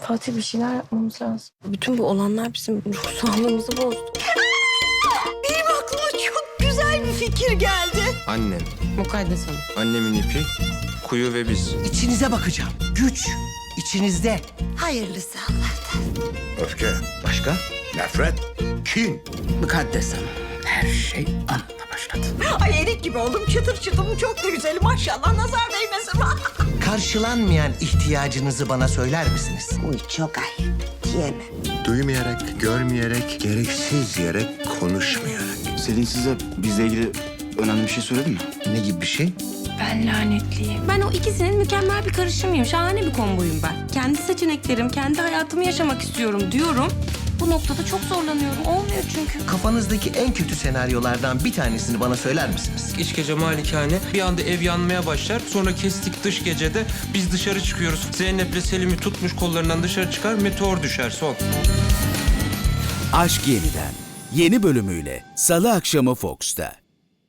Fatih bir şeyler yapmamız lazım. Bütün bu olanlar bizim ruh sağlığımızı bozdu. Benim aklıma çok güzel bir fikir geldi. Annem, Mukaddes Hanım. annemin ipi, kuyu ve biz. İçinize bakacağım. Güç içinizde. Hayırlısı Allah'tan. Öfke. Başka? Nefret. Kin. Mukaddes Hanım. Her şey anla başladı. Ay erik gibi oldum, çıtır çıtım, çok da güzelim maşallah, nazar değmesin. Karşılanmayan ihtiyacınızı bana söyler misiniz? Uy çok ayıp, diyemem. Duymayarak, görmeyerek, gereksiz yere konuşmayarak. Selin size bizle ilgili önemli bir şey söyledi mi? Ne gibi bir şey? Ben lanetliyim. Ben o ikisinin mükemmel bir karışımıyım. Şahane bir komboyum ben. Kendi seçeneklerim, kendi hayatımı yaşamak istiyorum diyorum. Bu noktada çok zorlanıyorum. Olmuyor çünkü. Kafanızdaki en kötü senaryolardan bir tanesini bana söyler misiniz? İç gece malikane, bir anda ev yanmaya başlar. Sonra kestik dış gecede, biz dışarı çıkıyoruz. Zeynep'le Selim'i tutmuş kollarından dışarı çıkar, meteor düşer son. Aşk Yeniden yeni bölümüyle Salı akşamı Fox'ta.